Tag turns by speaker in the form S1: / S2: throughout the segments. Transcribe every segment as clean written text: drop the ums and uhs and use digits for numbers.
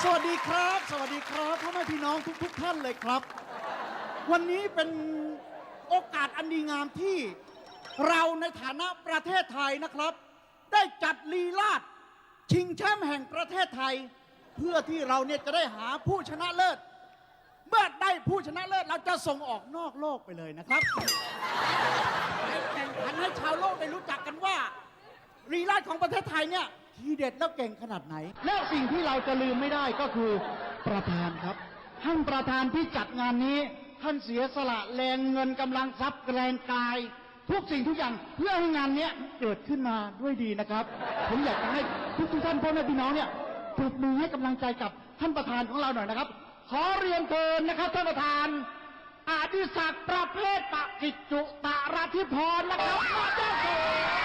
S1: สวัสดีครับสวัสดีครับพ่อแม่พี่น้องทุกท่านเลยครับวันนี้เป็นโอกาสอันดีงามที่เราในฐานะประเทศไทยนะครับได้จัดลีลาศชิงแชมป์แห่งประเทศไทยเพื่อที่เราเนี่ยจะได้หาผู้ชนะเลิศเมื่อได้ผู้ชนะเลิศเราจะส่งออกนอกโลกไปเลยนะครับให้แข่งขันให้ชาวโลกได้รู้จักกันว่าลีลาศของประเทศไทยเนี่ยทีเด็ดแล้วเก่งขนาดไหนและสิ่งที่เราจะลืมไม่ได้ก็คือประธานครับท่านประธานที่จัดงานนี้ท่านเสียสละแรงเงินกำลังทรัพย์แรงกายทุกสิ่งทุกอย่างเพื่อให้งานนี้เกิดขึ้นมาด้วยดีนะครับผมอยากจะให้ทุกท่านพ่อแม่พี่น้องเนี่ยปรบมือให้กำลังใจกับท่านประธานของเราหน่อยนะครับขอเรียนเชิญนะครับท่านประธานอดิศักดิ์ประเภทปกิจจุตราธิพรนะครับมาเจ้าตัว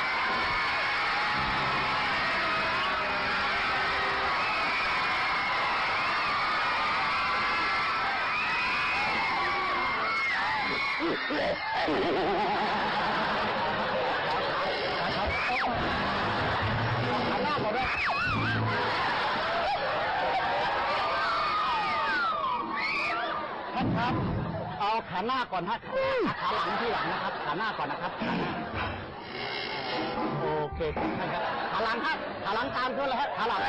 S1: ท่านครับเอาขาหน้าก่อนฮะขาหลังที่หลังนะครับขาหน้าก่อนนะครับขาหน้าโอเคท่านครับขาหลังครับขาหลังตามเพื่อนเลยฮะขาหลัง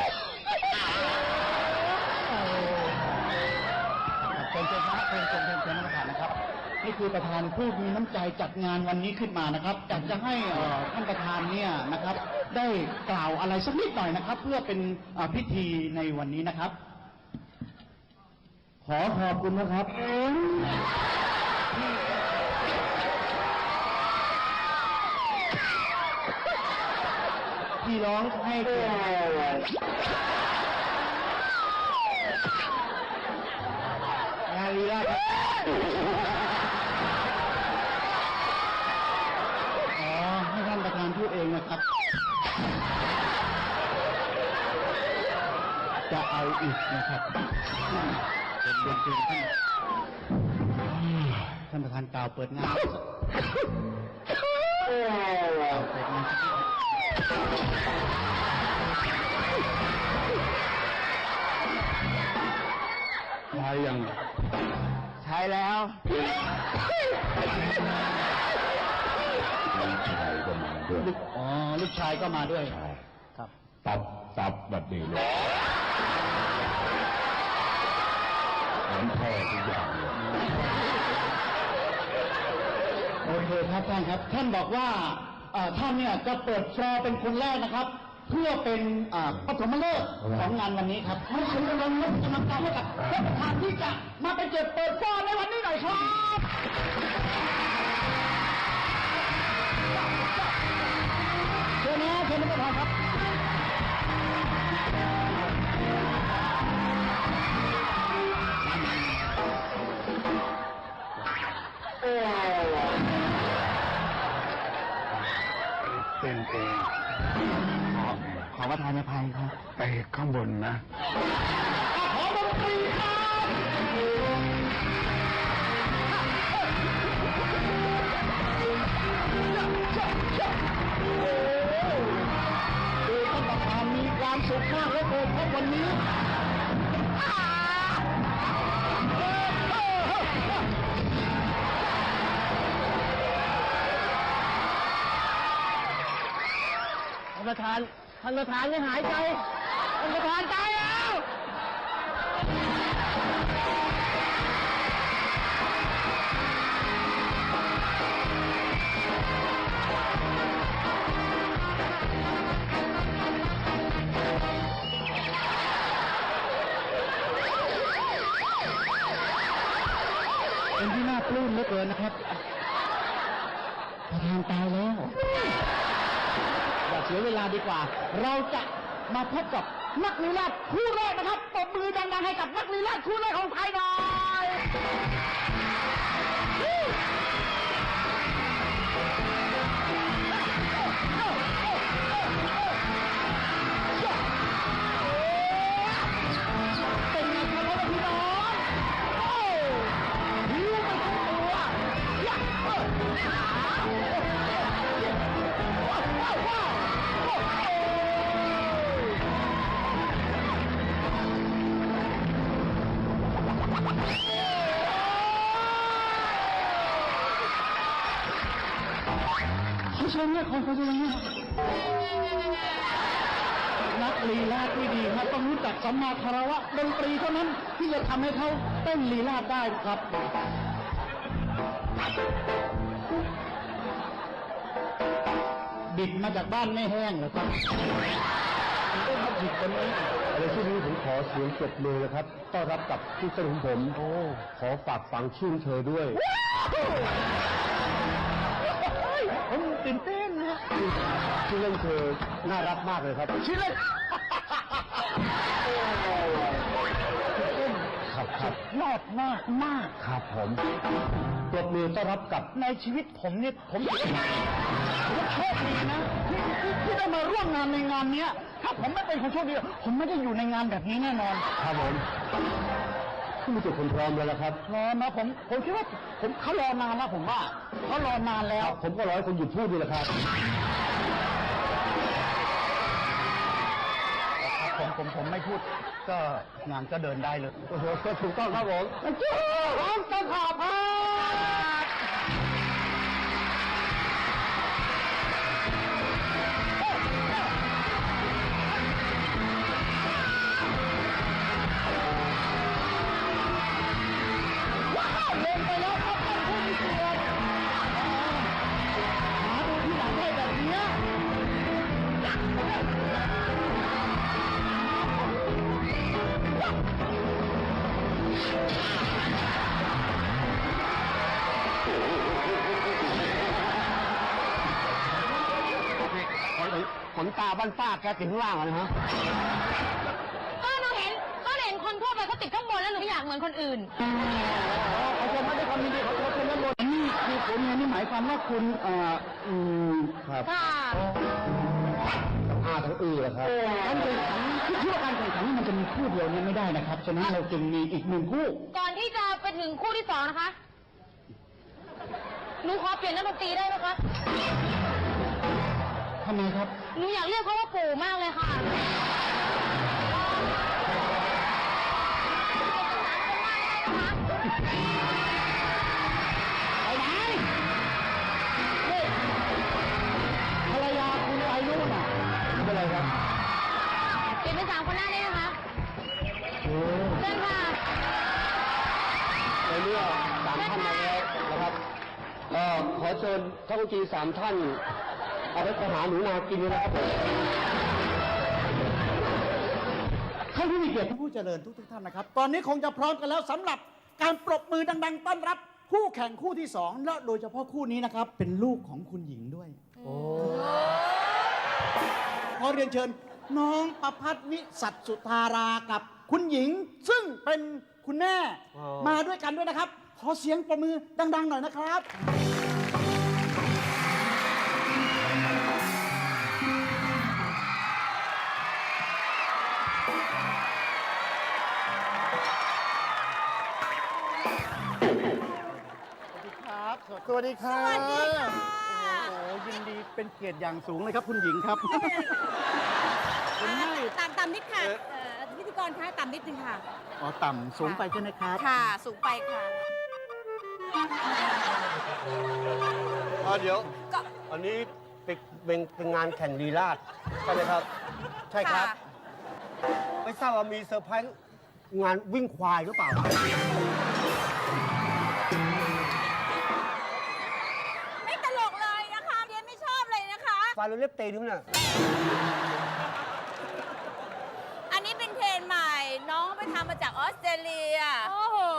S1: เป็นครับเป็นประธานนะครับนี่คือประธานผู้มีน้ำใจจัดงานวันนี้ขึ้นมานะครับอยากจะให้ท่านประธานเนี่ยนะครับได้กล่าวอะไรสักนิดหน่อยนะครับ เพื่อเป็นพิธีในวันนี้นะครับขอขอบคุณนะครับที่ร้องให้เกียรติงานลีลาครับให้ท่านประธานพูดเองนะครับจะเอาอีกนะครับเป็นดนตรีท่านประธานกล่าวเปิดงานเปิดงานใช้ยังใช้แล้วลูกชายก็มาด้วยครับตับแบบนี้เลยเหมือนพ่อทุกอย่างเลยโอเคครับท่านครับท่านบอกว่าท่านเนี่ยจะเปิดฟลอร์เป็นคนแรกนะครับเพื่อเป็นปฐมฤกษ์ของงานวันนี้ครับให้คุณกำลังใจให้กับท่านประธานที่จะมาเป็นจุดเปิดฟลอร์ในวันนี้หน่อยครับเชิญนะเชิญท่านประธานครับเป็นเองขอประทานอภัยครับไปข้างบนนะขอดนตรีครับท่านประธานมีความสุขมากเหลือเกินครับวันนี้ท่านประธานยังหายใจท่านประธานตายแล้วเป็นที่น่าปลื้มเหลือเกินนะครับประธานตายแล้วอย่าเสียเวลาดีกว่าเราจะมาพบกับนักลีลาศคู่แรกนะครับปรบมือดังๆให้กับนักลีลาศคู่แรกของไทยหน่อยเป็นไงครับพี่น้องหิวไปทั้งตัวเชิญเนี่ยคนเขาจะยังไงนักลีลาดที่ดีครับต้องรู้จักสัมมาคารวะดนตรีเท่านั้นที่จะทำให้เขาเต้นลีลาดได้ครับบิดมาจากบ้านไม่แห้งเหรอครับเต้นมาบิดคนนี้
S2: อะไรช่วงนี้ผมขอเสียงปรบมือนะครับต้อนรับกับที่เต้นของผมขอฝากฝังชื่นเธอด้วย
S1: ผมตื่นเต้นนะ
S2: ชื่อเล่นเธอน่ารักมากเลยครับ
S1: ชื่อเล่น
S2: ครับ
S1: ยอดมาก
S2: ครับผมปรบมือต้อนรับกับ
S1: ในชีวิตผมเนี่ยผมโชคดีนะที่ได้มาร่วมงานในงานนี้ถ้าผมไม่เป็นคนโชคดีผมไม่ได้อยู่ในงานแบบนี้แน่นอน
S2: ครับผมคุณมีตัวคนพร้อมแล้วละครับ
S1: พร้อมนะผมคิดว่าเขารอนานแล้วผมว่าเขารอนานแล้ว
S2: ผมก็รอให้คนหยุดพูดด้วยละครับ
S1: ผมไม่พูดก็งานก็เดินได้เลย
S2: ถูกต้องครับผม
S1: ร้องตะขาบเล่นไปแล้วครับท่านผู้มีเกียรติหาดูที่หลังได้แบบนี้
S2: ขนตาบ้านป้าแกติดข้างล่างเลยฮะ
S3: ก็หนูเห็นคนทั่วไปเขาติดข้างบนแล้วหนูไม่อยากเหมือนคนอื่น
S1: เขาจะไม่ได้ความดีเขาจะไม่บนนี่คือผลงานนี่หมายความว่าคุณ
S2: ครับ
S3: ค่ะ
S2: ทั้งเหรอครับ
S1: การแข่งขันที่ว่าการแข่งขันนี่มันจะมีคู่เดียวเนี่ยไม่ได้นะครับฉะนั้นเราจึงมีอีกหนึ่งคู่
S3: ก่อนที่จะไปถึงคู่ที่สองนะคะหนูขอเปลี่ยนนักดนตรีได้ไหมคะ
S1: ทำไมครับ
S3: หนูอยากเรียกเขาว่าปู่มากเลยค่ะ
S1: ไปไหนนี่ภรรยาคุณไปนู่นน่ะ
S2: เป็นไรครับ
S3: เปลี่ยนเป็น3 คนหน้าได้ไหมคะเชิญค่ะ
S2: ในเมื่อ3 ท่านมาแล้วนะครับขอเชิญท่านผู้จี3 ท่านเอาไปหาหนูนากินเลยนะครับ
S1: ท่านผู้มีเกียรติผู้เจริญทุกท่านนะครับตอนนี้คงจะพร้อมกันแล้วสำหรับการปรบมือดังๆต้อนรับคู่แข่งคู่ที่2และโดยเฉพาะคู่นี้นะครับเป็นลูกของคุณหญิงด้วยขอเรียนเชิญน้องประภัสนิสัตสุธารากับคุณหญิงซึ่งเป็นคุณแม่มาด้วยกันด้วยนะครับขอเสียงปรบมือดังๆหน่อยนะครับสวัสดีครับโอ้โหยินดีเป็นเกียรติอย่างสูงเลยครับคุณหญิงครับ
S4: ต่ำนิดค่ะพิธีกรคะต่ำนิดนึงค่ะ
S1: อ๋อต่ำสูงไปใช่ไหมครับ
S4: ค่ะสูงไปค่ะ
S2: เดี๋ยวอันนี้เป็นงานแข่งลีลาศใช่ไหมครับใช่ครับไม่ทราบว่ามีเซอร์ไพรส์งานวิ่งควายหรือเปล่าฟาโรเล็บเตยนี่มันน่ะ
S4: อันนี้เป็นเทรนใหม่น้องไปทำมาจากออสเตรเลียโอ้โห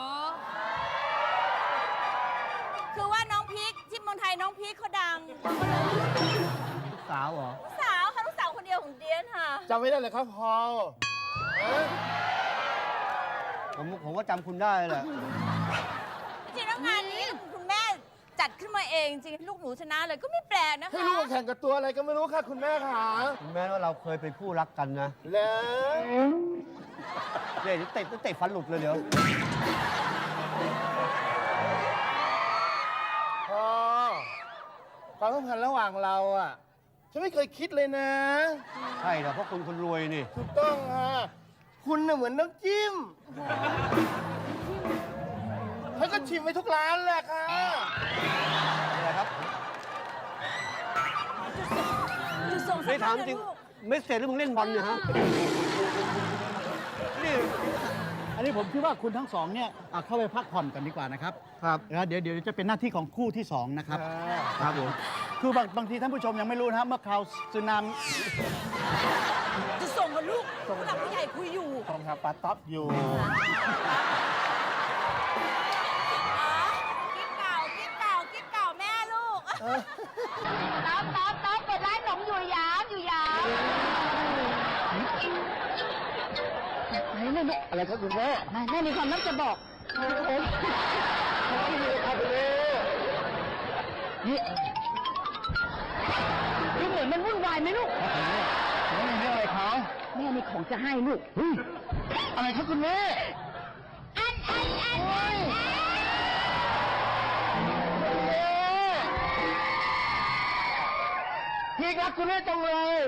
S4: คือว่าน้องพีคที่เมืองไทยน้องพีคเขาดัง
S2: ลูกสาวเหรอ
S4: ลูกสาวค่ะลูกสาวคนเดียวของเดียนค่ะ
S2: จำไม่ได้เลยครับพอผมว่าจำคุณได้แหละ
S4: จริงแล้วงานนี้คุณแม่จัดขึ้นมาเองจริงลูกหนูชนะเลยก็ไม่แปลกนะคะ
S2: ให้ลูกแข่งกับตัวอะไรก็ไม่รู้ค่ะคุณแม่ค่ะคุณแม่ว่าเราเคยเป็นคู่รักกันนะแล้วเตะฟันหลุดเลยเดี๋ยวความสัมพันธ์ระหว่างเราอ่ะฉันไม่เคยคิดเลยนะใช่เหรอเพราะคุณคนรวยนี่ถูกต้องค่ะคุณน่ะเหมือนน้ำจิ้มฉันก็ชิมไปทุกร้านแหละค่ะอะไรครับ
S4: ส่งสั
S2: ไม่
S4: มภา
S2: ถาม
S4: ษณ์
S2: จริง
S4: ลูก
S2: ไม่เสร็จแล้วมึงเล่นบอลเนี่ยฮะนี่
S1: อันนี้ผมคิดว่าคุณทั้งสองเนี่ยเข้าไปพักผ่อนกันดีกว่านะครับ
S2: ครับ
S1: แล้วเดี๋ยวจะเป็นหน้าที่ของคู่ที่ 2 นะครับ
S2: ครับผม
S1: คือบางทีท่านผู้ชมยังไม่รู้นะครับเมื่อคราวสึนามิ
S4: จะส่งกับลูกผู้หลักผู้ใหญ่คุยอยู่
S1: ตรงครับปาต๊อปอยู่
S4: กิ๊บเก่ากิ๊บเก่ากิ๊บเก่าแม่ลูก
S3: ต๊อบเปิดร้านขนมอยู่ยามไหนแม่อะไรครับคุณแม่แม่มีความลับจะบอกผมนี่เหมือนมันวุ่นวายไหมลูกแม่มีอะไรเขาแม่มีของจะให้ลูกอะไรครับคุณแม่อันพี่รักคุณแม่จังเลย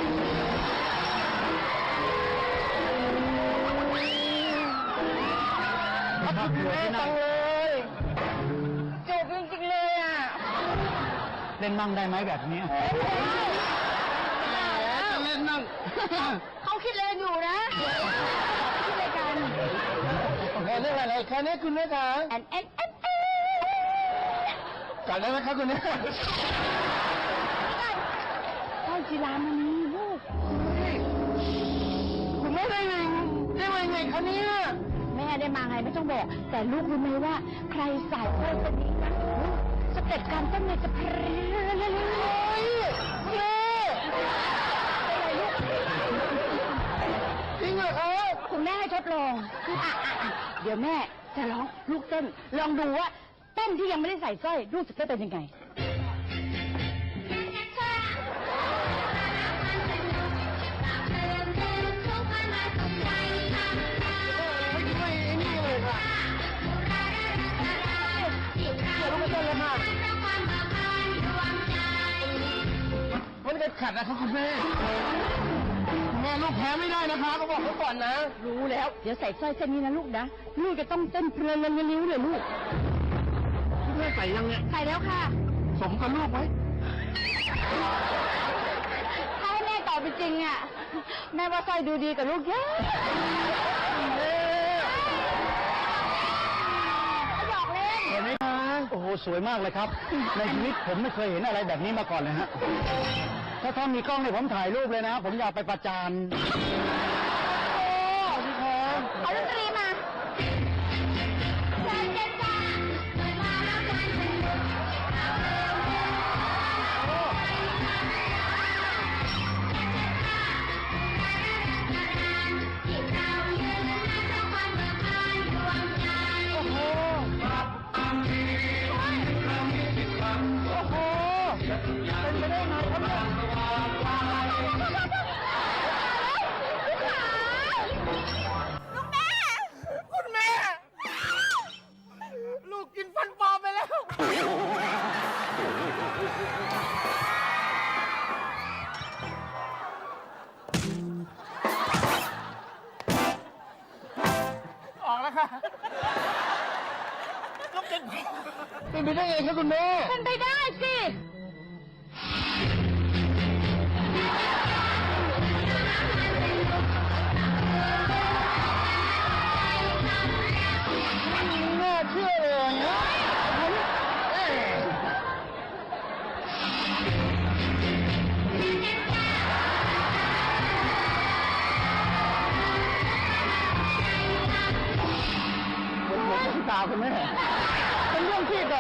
S3: รักคุณแม่จังเลยเจ็บจริงๆเลยอ่ะ
S1: เล่นมั่งได้ไหมแบบนี้
S3: เล่นนั่งเขาคิดเลนอยู่นะคิดอะไรกัน
S1: เรื่องอะไรแค่นี้คุณแม่จ๋า
S3: แอน
S1: จัดได้ไหมครับคุณแม่
S3: ไอ้จีรามณีลูก
S1: คุณแม่ได้มาไงคะเนี่ย
S3: แม่ได้มาไงไม่ต้องบอก แต่ลูกรู้ไหมว่า ใครสายโคตรนี้นะสเต็ปการเต้นเนี่ยจะเพลินเลยแม่อะไรลูก
S1: จริงเหรอครับ
S3: คุณแม่ให้ทดลองเดี๋ยวแม่จะร้องลูกเต้น ลองดูว่าเต้นที่ยังไม่ได้ใส่สร้อยลูกจะเต้นเป็นยังไง
S1: มันจะขัดนะครับคุณแม่แม่ลูกแพ้ไม่ได้นะคะเขาบอกเขาก่อนนะ
S3: รู้แล้ว เดี๋ยวใส่สร้อยเส้นนี้นะลูกนะ ลูกจะต้องเต้นเพลินลิ้วเลยลูก
S1: คุณแม่ใส่ยังเนี่ย
S3: ใส่แล้วค่ะ
S1: สมกับลูกไหม
S3: ถ้าให้แม่ตอบเป็นจริงอ่ะ แม่ว่าสร้อยดูดีกับลูกเยอะหยอกเล่น
S1: เห็นไหมคะโอ้โหสวยมากเลยครับ ในชีวิตผมไม่เคยเห็นอะไรแบบนี้มาก่อนเลยฮะถ้ามีกล้องเนี่ยผมถ่ายรูปเลยนะ ผมอยากไปประจานสวัสดีครับ
S3: เอาดนตรีมาเชิญเจนจ้ามาแล้วกันสนุกเอาเร็วที่เรายืนให้ทุกคนเบิกบานดวงใจ
S1: โอ้โหเป็นไปได้ไงครับเนี่ย
S4: ลูกแม่
S1: คุณแม่ ลูกกินฟันปลอมไปแล้ว ออกแล้วค่ะลูกกินเป็นไปได้ไงครับคุณแม่
S3: เป็นไปได้สิ
S1: ไม่น่าเชื่อเลยนะเหมือนที่ตาคุณแม่เป็นเรื่องที่แบบ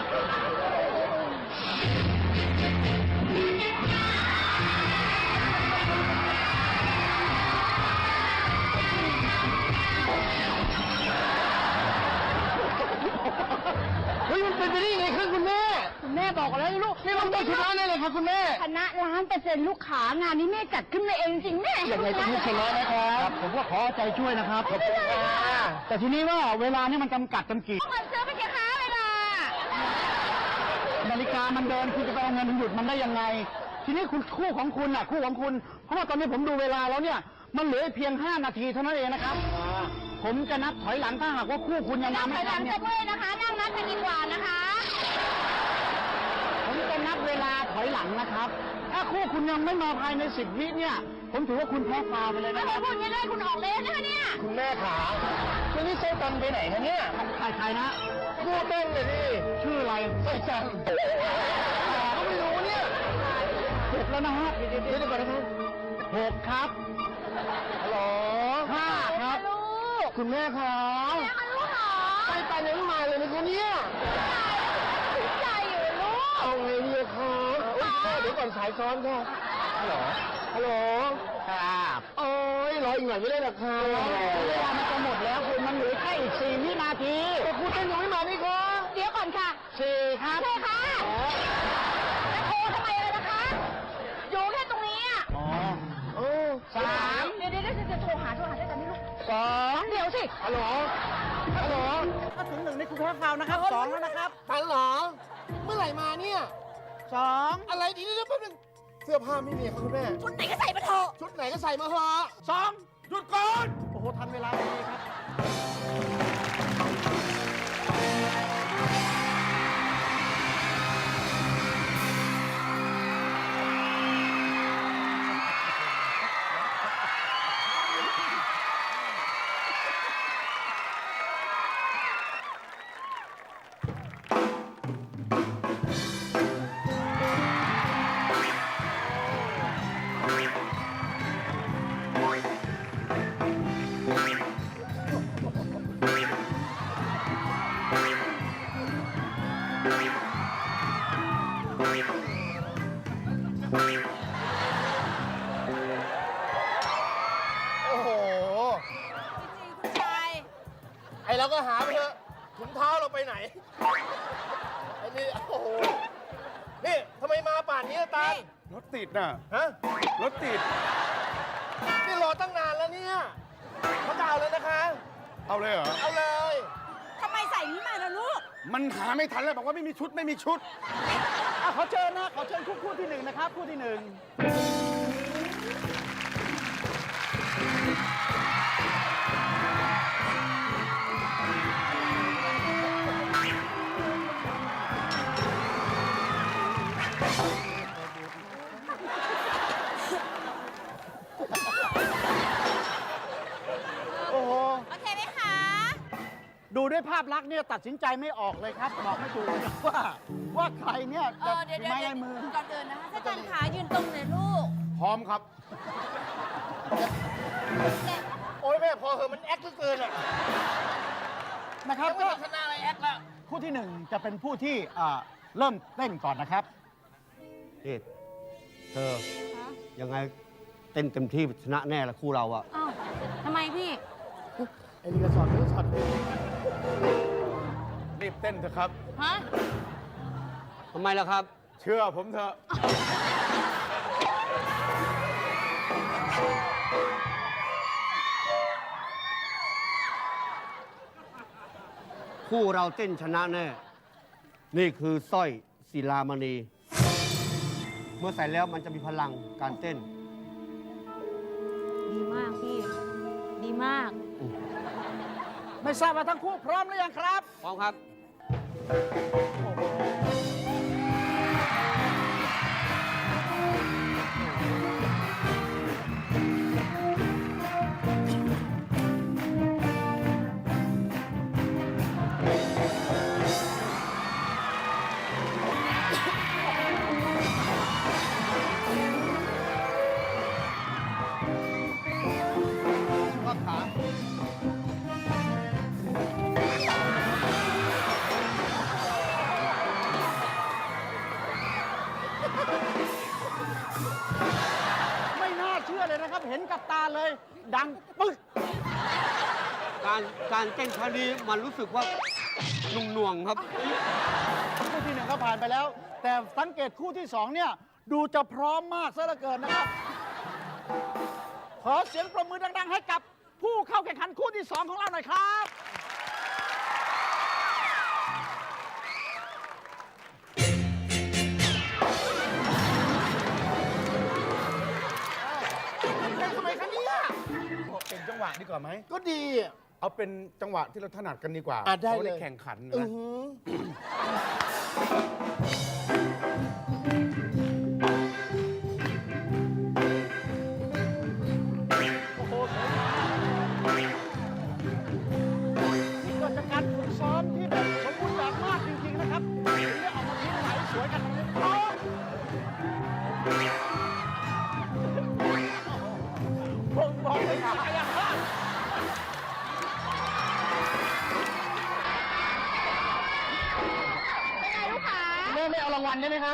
S1: เฮ้ยมันเป็นไปได้ยังไงครับคุณแม่
S3: คุณแม่บอกแล้วลูก
S1: นี่มันต้องชนะแน่เลยครับคุณแม่
S3: ชนะ1,000,000%ลูกขางานนี้แม่จัดขึ้นมาเองจริงแม่
S1: ยังไงต้องชนะนะครับผมก็ขอใจช่วยนะครับขอบคุณค่ะแต่ทีนี้ว่าเวลานี่มันจำกัดจำกีด
S3: มันซื้อไปแค่ค้าเวลา
S1: นาฬิกามันเดินคุณจะไปเอาเงินหยุดมันได้ยังไง ทีนี้คุณคู่ของคุณน่ะคู่ของคุณ เพราะว่าตอนนี้ผมดูเวลาแล้วเนี่ย มันเหลือเพียง 5 นาทีเท่านั้นเองนะครับ ผมจะนับถอยหลังถ้าหากว่าคู่คุณยัง
S3: นั่
S1: มาง
S3: ถ
S1: ไม่
S3: อยห
S1: ทั
S3: ลั
S1: น
S3: ง
S1: เนี่
S3: จะ
S1: ย
S3: เมื่อยนะคะ นั่งนับกันดีกว่านะคะ
S1: ผมจะนับเวลาถอยหลังนะครับ ถ้าคู่คุณยังไม่มาภายใน10 วิเนี่ย ผมถือว่าคุณแพ้ฟาวไปเลย
S3: ถ้า
S1: นะค
S3: เกิ
S1: รั
S3: ด
S1: บ
S3: พูดอย่างนี้ได้คุณออกเลยนะคะเนี่ย
S2: คุณแม่ขาช่วงนี้เต้นกันไปไหนคะเนี่ย
S1: ใครนะ
S2: กูเต้นเลยดิ
S1: ชื่ออะไร
S2: ไม่จำก็ไม่รู้เนี่ย
S1: 6แล้วนะฮะ
S2: เดี๋ยวก่อนนะครับ
S1: 6ครับ
S2: ฮัลโหล
S1: 5ครับ
S3: ลูก
S2: คุณแม่ขา
S3: แม่คะลูกเหรอ
S2: ไปยังมาเลยนะคะเนี่ย
S3: ใจอยู่ลูก
S2: เอาไงดีคะอุ๊ยแม่เดี๋ยวก่อนสายซ้อนค่ะฮัลโหลฮัลโหล
S1: ครับ
S2: โอ้ยรออีกหน่อยไม่ได้หรอคะ
S1: เวลามันจะหมดแล้วคุณมันเหลือแค่อีก4 วินาที
S2: แต่คุณเต้นยังไม่มานี่คะ
S3: เดี๋ยวก่อนค่ะ
S1: 4ครับ
S3: ใช่ค่ะจะโทรทำไมเลยนะคะ อยู่แค่ตรงนี้อ่ะ
S1: อ๋อ
S2: โอ้
S1: 3
S3: เดี๋ยวโทรหาด้วยกันนี่ลูก
S1: 2
S3: เดี๋ยวสิ
S2: ฮัลโหลฮัลโหล
S1: ถ้าถึง1นี่คุณแพ้ฟาวนะครับ2แล้วนะครับ
S2: ทันเหรอ เมื่อไหร่มาเนี่ย
S1: 2
S2: อะไรดีเดี๋ยวแป๊บนึงเสื้อผ้าไม่มีครับคุณแม่
S4: ชุดไหนก็ใส่มาเถอะ
S2: ชุดไหนก็ใส่มาเถอะ
S1: 2
S2: หยุดก่อน
S1: โอ้โหทันเวลาพอดีครับ
S2: โอ้โห
S4: จริงๆคุณชาย
S2: ไอเราก็หาไปเถอะถุงเท้าเราไปไหน ไอ้นี่ โอ้โห นี่ทำไมมาป่านนี้อะตาล
S5: รถติดน่ะ
S2: ฮะ
S5: รถติด
S2: นี่รอตั้งนานแล้วเนี่ยเขาจะเอาเลยนะคะ
S5: เอาเลยเหรอ
S2: เอาเลย
S4: ทำไมใส่นี้มาล่ะลูก
S5: มันหาไม่ทันแล้วบอกว่าไม่มีชุดไม่มีชุด
S1: ขอเชิญนะ ขอเชิญคู่ที่ 1 นะครับ คู่ที่ 1 โอ้โห
S4: โอเคไหมคะ
S1: ดูด้วยภาพลักษณ์เนี่ยตัดสินใจไม่ออกเลยครับ บอกไม่ถูกเลยว่าใครเนี่ย
S4: เอ
S1: จะ
S4: อเดี๋ยว
S1: มีไม้ลายมือ
S4: ก่อนอื่นนะคะถ้าจันขายืนตรงเลยลูก
S5: พร้อมครับ
S2: โอ้ยแม่พอเหอะมันแอคเหลือเกินอ่ะ
S1: นะครับ
S2: ไม่
S1: ก็
S2: ต้องชนะอะไรแอคละ
S1: คู่ที่ 1 จะเป็นผู้ที่เริ่มเต้นก่อนนะครับ
S2: นี่เธอ ยังไงเต้นเต็มที่ชนะแน่ละคู่เราอะ
S3: อ้าวทำไมพี่
S2: ไอ้นี่ก็สอนสอน
S5: รีบเต้นเถอะครับ
S3: ฮะ
S2: ทำไมล่ะครับ
S5: เชื่อผมเถอะ
S2: คู่เราเต้นชนะแน่ นี่คือสร้อยศิลามณี เมื่อใส่แล้วมันจะมีพลังการเต้น
S3: ดีมากพี่ ดีมาก
S1: ไม่ทราบว่าทั้งคู่พร้อมหรือยังครับ
S2: พร้อมครับ
S1: ข้อขา ไม่น่าเชื่อเลยนะครับ เห็นกับตาเลย ดังปึ๊ก
S2: การเต้นครั้งนี้มันรู้สึกว่าหน่วงๆครับ
S1: คู่ที่ 1 ก็ผ่านไปแล้ว แต่สังเกตคู่ที่ 2 เนี่ย ดูจะพร้อมมากซะเหลือเกินนะครับ ขอเสียงปรบมือดัง ๆ ให้กับผู้เข้าแข่งขันคู่ที่ 2 ของเราหน่อยครับ
S2: ทำไมคะเนี่ย
S5: เป็นจังหวะดีกว่าไหม
S2: ก็ดีอะ
S5: เอาเป็นจังหวะที่เราถนัดกันดีกว่า
S2: ได้
S5: พราะ
S2: เลย
S5: แข่งขัน
S2: อื
S5: นะ
S2: อหือได้ไหมคะ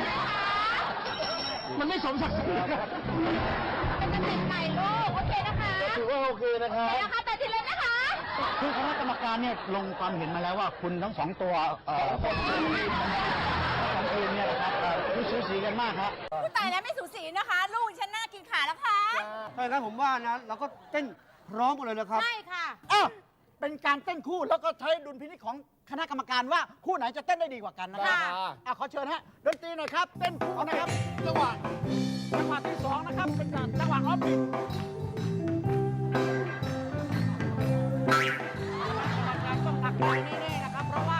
S2: มันไม่สมศักดิ์ศรีครับ
S3: เป็นจะติดใหม่ลูก โอเคนะคะ
S2: ถือว่าโอเคนะครับ
S3: เดี๋ยวนะคะแต่ทีเลยนะคะ
S1: คือคณะกรรมการเนี่ยลงความเห็นมาแล้วว่าคุณทั้งสองตัวสองทีมเนี่ยนะครับคือสูสีกันมากครับ
S4: ผู้ตายแล้วไม่สูสีนะคะ ลูกฉันน่ากินขาแล้วค่ะ
S2: ถ้าอย่างนั้นผมว่านะเราก็เต้นพร้อมกันเลยนะครับ
S4: ใช่ค่ะ
S1: อ้าวเป็นการเต้นคู่แล้วก็ใช้ดุลพินิจของคณะกรรมการว่าคู่ไหนจะเต้นได้ดีกว่ากันนะครับ
S4: ค่ะ
S1: ขอเชิญฮะดนตรีหน่อยครับ เต้นคู่นะครับจังหวะที่สองนะครับเป็นจังหวะออฟบิทต้องตักใจแน่ๆนะครับเพราะว่า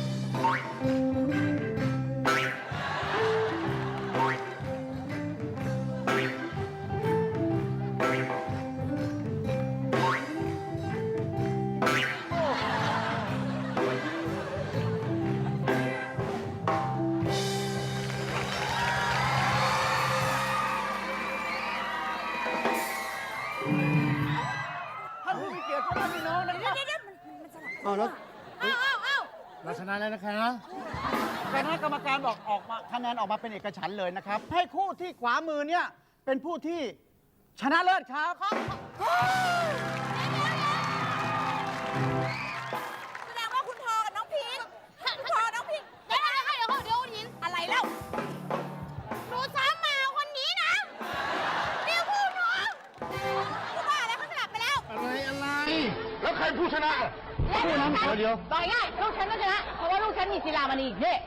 S1: ท่านผู้มีเกียรติพ่อแม่พี่น้องนะครับ
S4: เดี๋ยวมันสลับ
S2: เอาแล้ว
S4: อ้าว
S5: เราชนะแล้วนะคะ
S1: คณะกรรมการบอกออกมาคะแนนออกมาเป็นเอกฉันท์เลยนะครับ ให้คู่ที่ขวามือเนี่ยเป็นผู้ที่ชนะเลิศครับ
S4: แสดงว่าคุณพอกับน้องพีทคุณพอน้องพีทเดี๋ยวหินอะไรเล่าหนูซ้ำมาคนนี้นะเดี๋ยวพูดหนูพูดว่าอะไรเขาสลับไปแล้ว
S5: อะไร
S2: แล้วใครผู้ชนะ
S3: คู่นั้น
S2: เดี๋ยว
S3: บอกง่ายลูกฉันก็ชนะ เพราะว่าลูกฉันมีศิลามณีนี่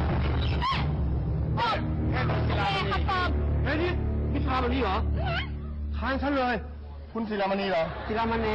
S3: ตอบแม่ครับตอบ
S2: เฮ้ยนี่ศิลามณีเหรอทางฉันเลย คุณศิลามณีเหรอศิลามณี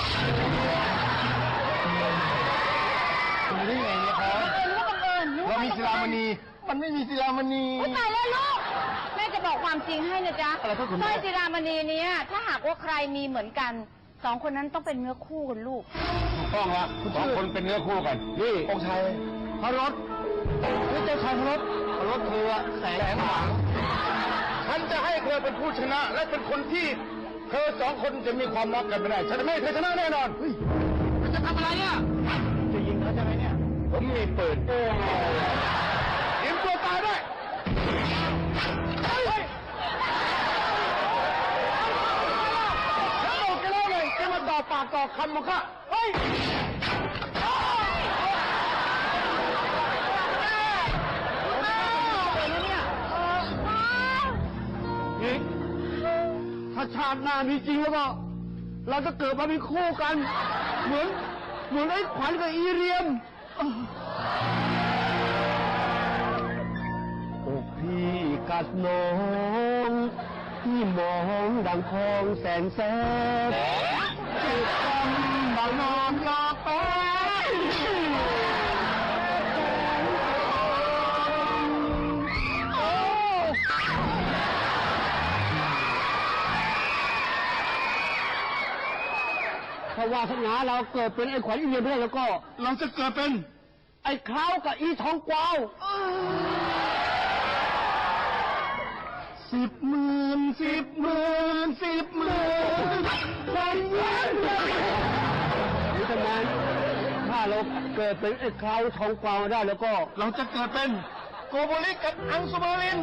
S2: คุณได้ไงเนี่ยครับ
S3: บังเอิญนึก
S2: เรา
S3: ว่า
S2: มีศิลามณี มันไม่มีศิลามณี
S3: อุ๊ยตายแล้วลูก แม่จะบอกความจริงให้นะจ๊ะ
S2: อะไรครับคุณแม่
S3: สร้อยศิลามณีเนี้ยถ้าหากว่าใครมีเหมือนกันสองคนนั้นต้องเป็นเนื้อคู่กันลูก
S2: ถูกต้องละสองคนเป็นเนื้อคู่กัน นี่องค์ชายพระรถนี่เจ้าชายพระรถเธอแสงหวังฉันจะให้เธอเป็นผู้ชนะ และเป็นคนที่เธอสองคนจะมีความรักกันไม่ได้ ฉันจะไม่ให้เธอชนะแน่นอนมันจะทำอะไรเนี่ยจะยิงเขาใช่ไหมเนี่ย ผมมีปืนเตรียมตัวตายได้ฉันบอกแกแล้วเลยแกมาต่อปากต่อคำมาค่ะเฮ้ยอีกถ้าชาติหน้ามีจริงแล้วก็เราจะเกิดมาเป็นคู่กัน เหมือนไอ้ขวัญกับอีเรียมอกพี่กัดน้องที่มองดังทองแสนแสบจิตกำบังนอนยอกแป้ถ้าวาสนาเราเกิดเป็นไอ้ขวัญอีเรียมไม่ได้แล้วก็ เราจะเกิดเป็นไอ้คราวกับอีทองกวาว10,000,000 คนเว้นหรือทำงานถ้าเราเกิดเป็นไอ้คราวทองกวาวได้แล้วก็ เราจะเกิดเป็นโกโบลิกกับอังสุมาริน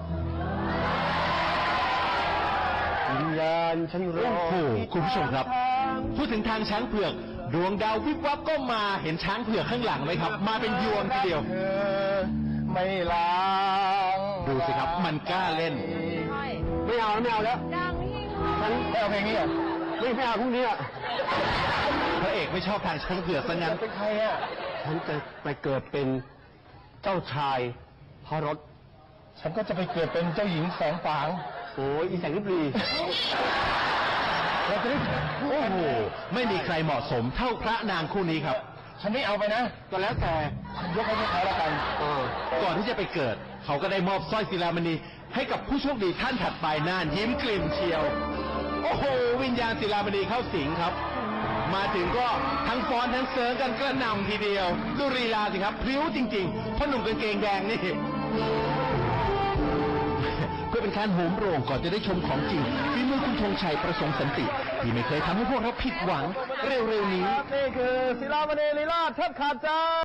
S2: วิญญาณฉันรอ
S6: โอ้โหคุณผู้ชมครับ พูดถึงทางช้างเผือก ดวงดาววิบวับก็มาเห็นช้างเผือกข้างหลังไหมครับ มาเป็นยวงทีเดียว
S2: เธอไม่ล้าง
S6: ดูสิครับ มันกล้าเล่น
S2: ไม่เอาแล้ว
S3: ดังยิ่ง
S2: ฉันไม่เอาเพลงนี้อ่ะไม่เอาพรุ่งนี้อ่ะ
S6: พระเอกไม่ชอบทางช้างเผือกซะงั้น
S2: เป็นใครอ่ะฉันจะไปเกิดเป็นเจ้าชายพระรถฉันก็จะไปเกิดเป็นเจ้าหญิงแสงฝางโอ้ยอีแสงริบลีเราจะได้
S6: โอ้โห ไม่มีใครเหมาะสมเท่าพระนางคู่นี้ครับ
S2: ฉันไม่เอาไปนะก็แล้วแต่ยกให้พวกเขาแล้วกัน
S6: ก่อนที่จะไปเกิด เขาก็ได้มอบสร้อยศิลามณีให้กับผู้โชคดีท่านถัดไปน่านยิ้มกลิ่มเชียว โอ้โห วิญญาณศิลามณีเข้าสิงครับ มาถึงก็ทั้งฟ้อนทั้งเสิร์งกันกระหน่ำทีเดียว ดูลีลาสิครับพริ้วจริงๆพ่อหนุ่มกางเกงแดงนี่ เพื่อเป็นการโหมโรงก่อนจะได้ชมของจริงฝีมือคุณธงชัยประสงค์สันติ ที่ไม่เคยทำให้พวกเราผิดหวังเร็วๆนี้
S2: นี่คือศิลามณีลีลาแทบขาดใจ